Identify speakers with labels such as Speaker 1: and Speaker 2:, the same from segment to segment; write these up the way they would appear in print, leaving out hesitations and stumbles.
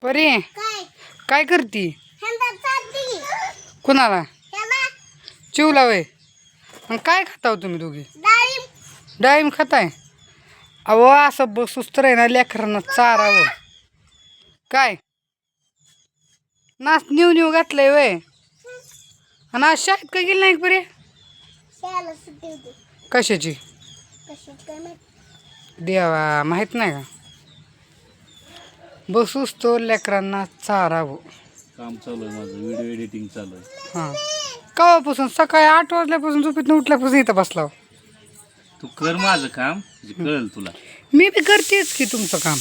Speaker 1: परी काय करती? कुणाला? चिवला वय. काय खाताव तुम्ही दोघी? डाळिंब खाताय? अहो असं बसूच तर आहे ना लेकरांना चारावं. काय नाच न्यू न्यू घातलंय वय. आणि आज शाळेत का गेली नाही परी? कशाची? देवा माहित नाही का? बसूच तो लेकरांना चारावं.
Speaker 2: काम चालू आहे माझं, व्हिडिओ एडिटिंग चालू आहे.
Speaker 1: हां केव्हापासून? सकाळी 8 वाजल्यापासून झोपेतून उठल्यापासून इथं बसलाव.
Speaker 2: तू कर माझं काम म्हणजे कळेल तुला.
Speaker 1: मी बी करतेच की तुमचं काम.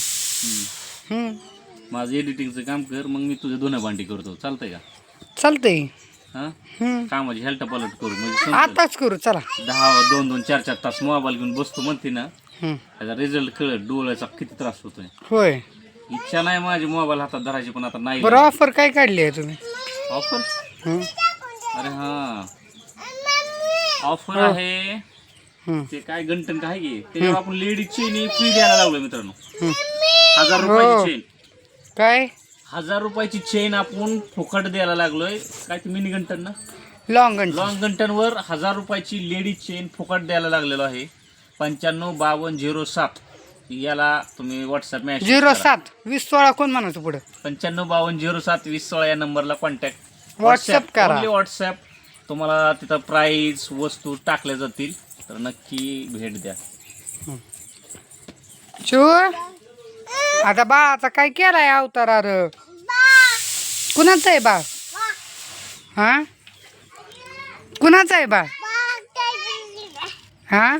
Speaker 2: माझं एडिटिंगचं काम कर, मग मी तुझं धुणं भांडी करतो. चालतंय का?
Speaker 1: चालतंय.
Speaker 2: हां कामाची हेल्ट पलट करू म्हणजे
Speaker 1: आताच करू चला.
Speaker 2: 2-2, 4-4 तास मोबाईल घेऊन बसतो म्हणते ना, त्याचा रिझल्ट कळत. डोळ्याचा किती त्रास होतोय.
Speaker 1: होय.
Speaker 2: इच्छा नाही माझी मोबाईल हातात धरायची, पण आता नाही.
Speaker 1: बरं ऑफर काय काढली आहे तुम्ही?
Speaker 2: ऑफर? अरे हां ऑफर आहे. ते काय गंटन काय घे त्याच्यावर आपण लेडीज चेन फ्री द्यायला लागलो मित्रांनो. 1000 रुपयाची चेन.
Speaker 1: काय?
Speaker 2: 1000 रुपयाची चेन आपण फुकट द्यायला लागलोय. काय ते मिनी गंटन ना,
Speaker 1: लॉंग गंटन.
Speaker 2: लॉंग गंटनवर 1000 रुपयाची लेडीज चेन फुकट द्यायला लागलेलो आहे. 955207 याला तुम्ही व्हॉट्सअप मेसेज
Speaker 1: 07 2016 कोण म्हणायचं पुढे?
Speaker 2: 955207 2016 या नंबरला कॉन्टॅक्ट
Speaker 1: व्हॉट्सअप करा.
Speaker 2: Only WhatsApp. तुम्हाला तिथं प्राईस वस्तू टाकल्या जातील, तर नक्की भेट द्या.
Speaker 1: चू आता बाळाचा काय केलाय अवतार? अरे कुणाचं आहे बाळ? हा कुणाचं आहे बाळ? हा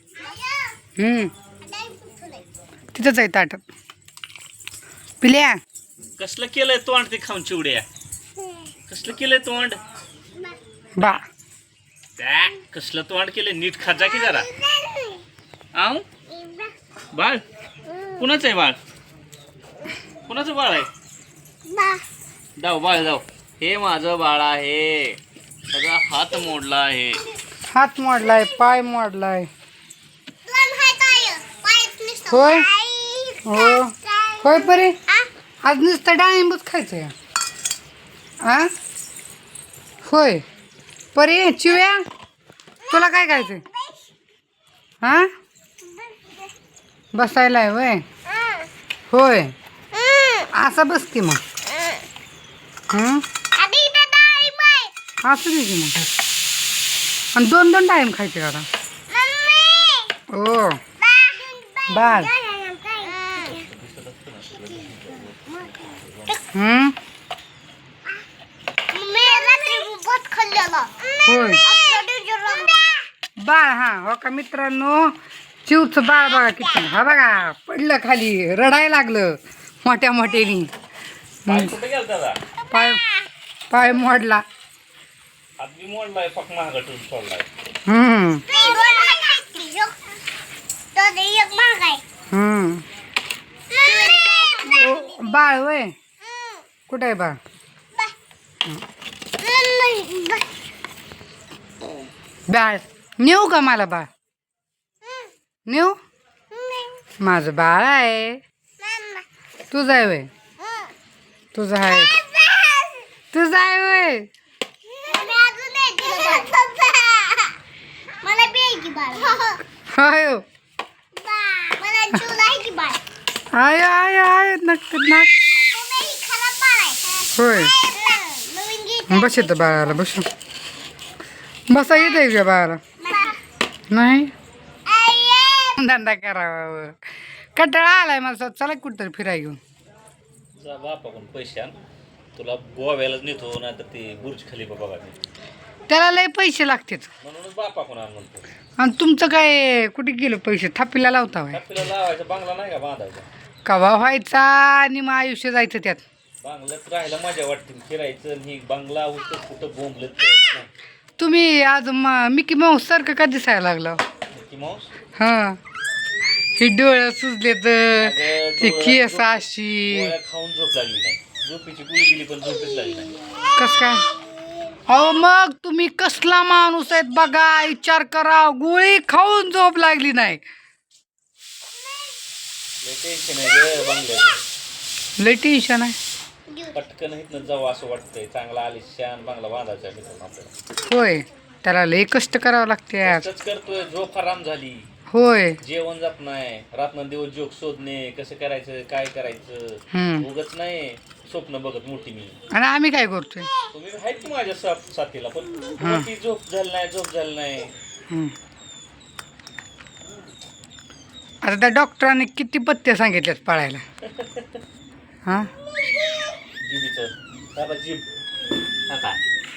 Speaker 1: तिथंच आहे ताटात. पिल्या
Speaker 2: कसलं केलंय तोंड ते खाऊन चिवड्या? कसलं केलंय तोंड?
Speaker 1: बा
Speaker 2: कसलं तोंड केलंय? नीट खाजा की जरा. आऊ बाळ कुणाचं आहे बाळ? कुणाचं बाळ आहे? जाऊ बाळ जाऊ. हे माझं बाळ आहे. सगळा हात मोडला आहे.
Speaker 1: हात मोडलाय, पाय मोडलाय. होय हो होय परे. आज नुसतं डाळिंबच खायचं. हा होय परे. चिव्या तुला काय खायचंय? हा बसायला आहे वय. होय असं बस की मग. असं दे की मग. आणि 2-2 टाईम खायचे का? हो बाळ. होय बाळ. हा हो का मित्रांनो, चिवचं बाळ बघा किती. हा बघा पडलं खाली, रडायला लागलं मोठ्या मोठ्यानी.
Speaker 2: कुठे गेला दादा?
Speaker 1: पाय पाय मोडला.
Speaker 2: हात बी मोडलाय, पक महागातून सोडलाय.
Speaker 1: बाळ वय कुठे आहे बाळ? बाळ नेऊ का मला? बाळ नेऊ? माझं बाळ आहे. तुझं आहे वय? तुझं आहे. तुझं आहे वय? आयो आयो आयो आयो नक्क नाक. होय बस येतं बाळाला. बस बसा येत आहे का बाळाला? नाही धंदा करावा. कंटाळा आलाय मला. चला कुठतरी फिराय घेऊन
Speaker 2: जा बापाकडून पैसे आण. तुला गोव्यालाच नेतो, नाही तर ते बुर्ज खलिफा बघा.
Speaker 1: त्याला लय पैसे लागतात
Speaker 2: म्हणूनच बापाकडून आण म्हणतो.
Speaker 1: आणि तुमचं काय कुठे गेलं पैसे? थापीला लावता व्हय?
Speaker 2: थापीला लावायचा बंगला नाही का बांधायचा?
Speaker 1: कवा व्हायचा आणि मग आयुष्य जायचं त्यात.
Speaker 2: बंगल्यात राहायला मजा वाटते. फिरायचं ही बंगला होतं कुठं बोंबलत नाही.
Speaker 1: तुम्ही आज मिकी माऊस सारखं का दिसायला लागला?
Speaker 2: Mickey Mouse?
Speaker 1: हा हे डोळं सुजले तर ते केस अशी.
Speaker 2: गोळ्या खाऊन झोप लागली नाही. झोपेची गोळी दिली पण झोपेच लागली नाही.
Speaker 1: कस काय? अहो मग तुम्ही कसला माणूस आहेत बघा, विचार करा. गोळी खाऊन झोप लागली नाही.
Speaker 2: लय टेन्शन आहे ग बंगल्याचं.
Speaker 1: लय टेन्शन आहे.
Speaker 2: पटकन इथनं जाऊ असं वाटतंय. चांगला आलिशान बांगला बांधायचा मित्रांनो आपल्याला.
Speaker 1: होय त्याला लय कष्ट करावं लागते आज.
Speaker 2: कष्टच करतोय. झोप हराम झाली.
Speaker 1: होय.
Speaker 2: जेवण जात नाही. रात्रंदिवस जोक शोधणे, कसं करायचं, काय करायचं, उगच नाही स्वप्न बघत मोठी मी.
Speaker 1: आणि आम्ही काय करतोय?
Speaker 2: तुम्ही आहेत की माझ्या साथीला, पण ती झोप झाली नाही, झोप झाली नाही.
Speaker 1: आता त्या डॉक्टरांनी किती पथ्य सांगितल्यात पाळायला. हा
Speaker 2: जिबीचं बाबा जीभ काय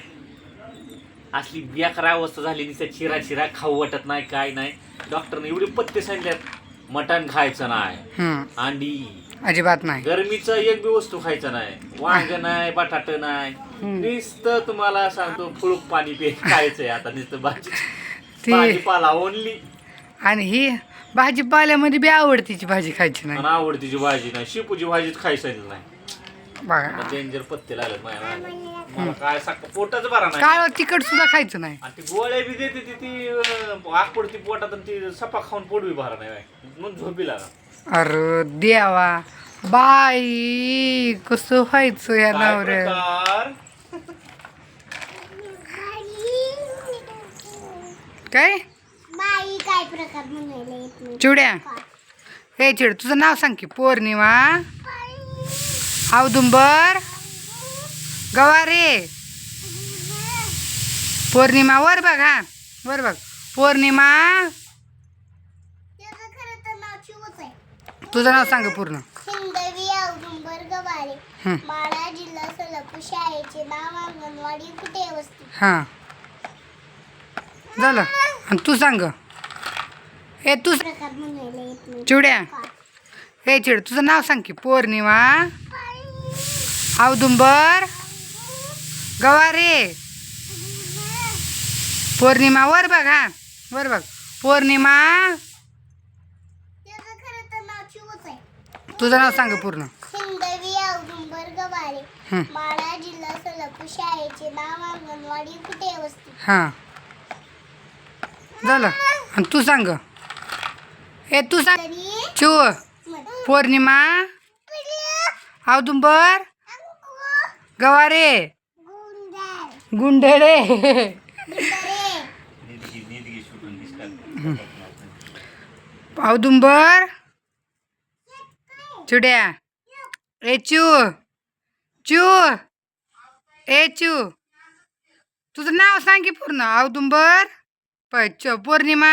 Speaker 2: असली बेकार अवस्था झाली. नुसतं चिरा चिरा खाऊ वाटत नाही, काय नाही. डॉक्टरने एवढे पथ्य सांगितल्यात. मटण खायचं नाही, अंडी
Speaker 1: अजिबात नाही,
Speaker 2: गरमीचं एक बी वस्तू खायचं नाही, वांग नाही, बटाट नाही. नुसतं तुम्हाला सांगतो फुळूक पाणी खायचंय आता. नुसतं भाजीपाला ओनली.
Speaker 1: आणि ही भाजीपाल्यामध्ये बी आवडतीची भाजी खायची नाही.
Speaker 2: आवडतीची भाजी नाही, शेपूची भाजीच खायचं नाही.
Speaker 1: बघा
Speaker 2: डेंजर पत्ते लागत मला काय सांगतो. पोटच बरा नाही.
Speaker 1: काळ तिखट सुद्धा खायचं नाही.
Speaker 2: आणि ती गोळ्या बी देते ती आग पडती पोटात आणि ती सपा खाऊन पोट बी भरा नाही मग झोपी लागा.
Speaker 1: अरे देवा बाई कसं व्हायचं या नवऱ्या. काय
Speaker 3: काय प्रकार म्हणायला
Speaker 1: चिवड्या हे चिड तुझं नाव सांग की. पौर्णिमा, औदुंबर, गवारे. पौर्णिमा वर बघ. हा वर बघ. पौर्णिमा.
Speaker 3: त्याचं खरं तर नाव चिवच आहे.
Speaker 1: तुझं नाव सांग पूर्ण.
Speaker 3: हिंदवी औदुंबर गवारे. माळा जिल्हा सोलापूर. शाळेचे नाव अंगणवाडी कुठे वस्ती.
Speaker 1: हां झालं. आणि तू सांग. हे तू
Speaker 3: प्रकार म्हणायला येत नाही.
Speaker 1: चिवड्या हे चिड तुझं नाव सांग की. पौर्णिमा, औदुंबर, गवारे. पौर्णिमा वर बघ. हा वर बघ. पौर्णिमा.
Speaker 3: त्याचं खरं तर नाव चिवच आहे.
Speaker 1: तुझं नाव सांग पूर्ण.
Speaker 3: हिंदवी औदुंबर गवारे. माळा जिल्हा सोलापूर. शाळेचे नाव अंगणवाडी कुठे वस्ती.
Speaker 1: हां झालं. आणि तू सांग. हे तू सांग. चिव. पौर्णिमा, औदुंबर, गवारे, गुंडळे. औदुंबर. चिड्या ए चू चू ए चू तुझं नाव सांग की पूर्ण. औदुंबर, पौर्णिमा.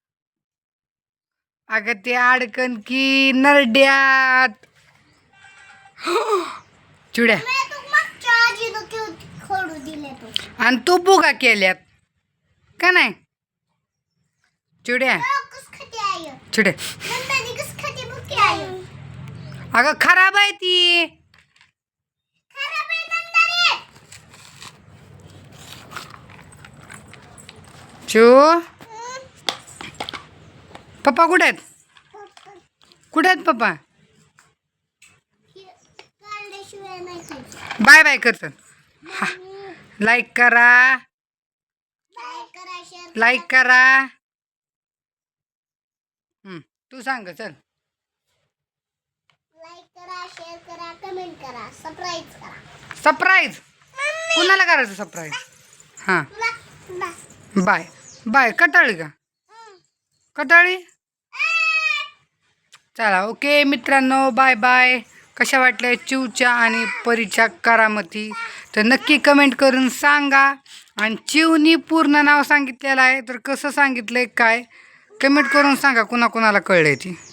Speaker 1: अगं ते अडकन की नरड्यात. चिड्या आणि तू बुगा केल्यात का नाही. चिड्या चिड्या अगं खराब आहे ती. चू पप्पा कुठे आहेत. कुठे आहेत पप्पा. बाय बाय करतात. हा लाईक करा. लाईक करा. तू सांग चल.
Speaker 3: लाईक करा, शेअर करा, कमेंट करा, सबस्क्राईब करा.
Speaker 1: सरप्राईज कुणाला करायचं सरप्राईज. हां बाय बाय. कटाळी का कटाळी. चला ओके मित्रांनो बाय बाय. कशा वाटल्या चिवच्या आणि परीच्या करामती तर नक्की कमेंट करून सांगा. आणि चिवनी पूर्ण नाव सांगितलेलं आहे तर कसं सांगितलं आहे काय कमेंट करून सांगा कुणाकुणाला कळलं ती.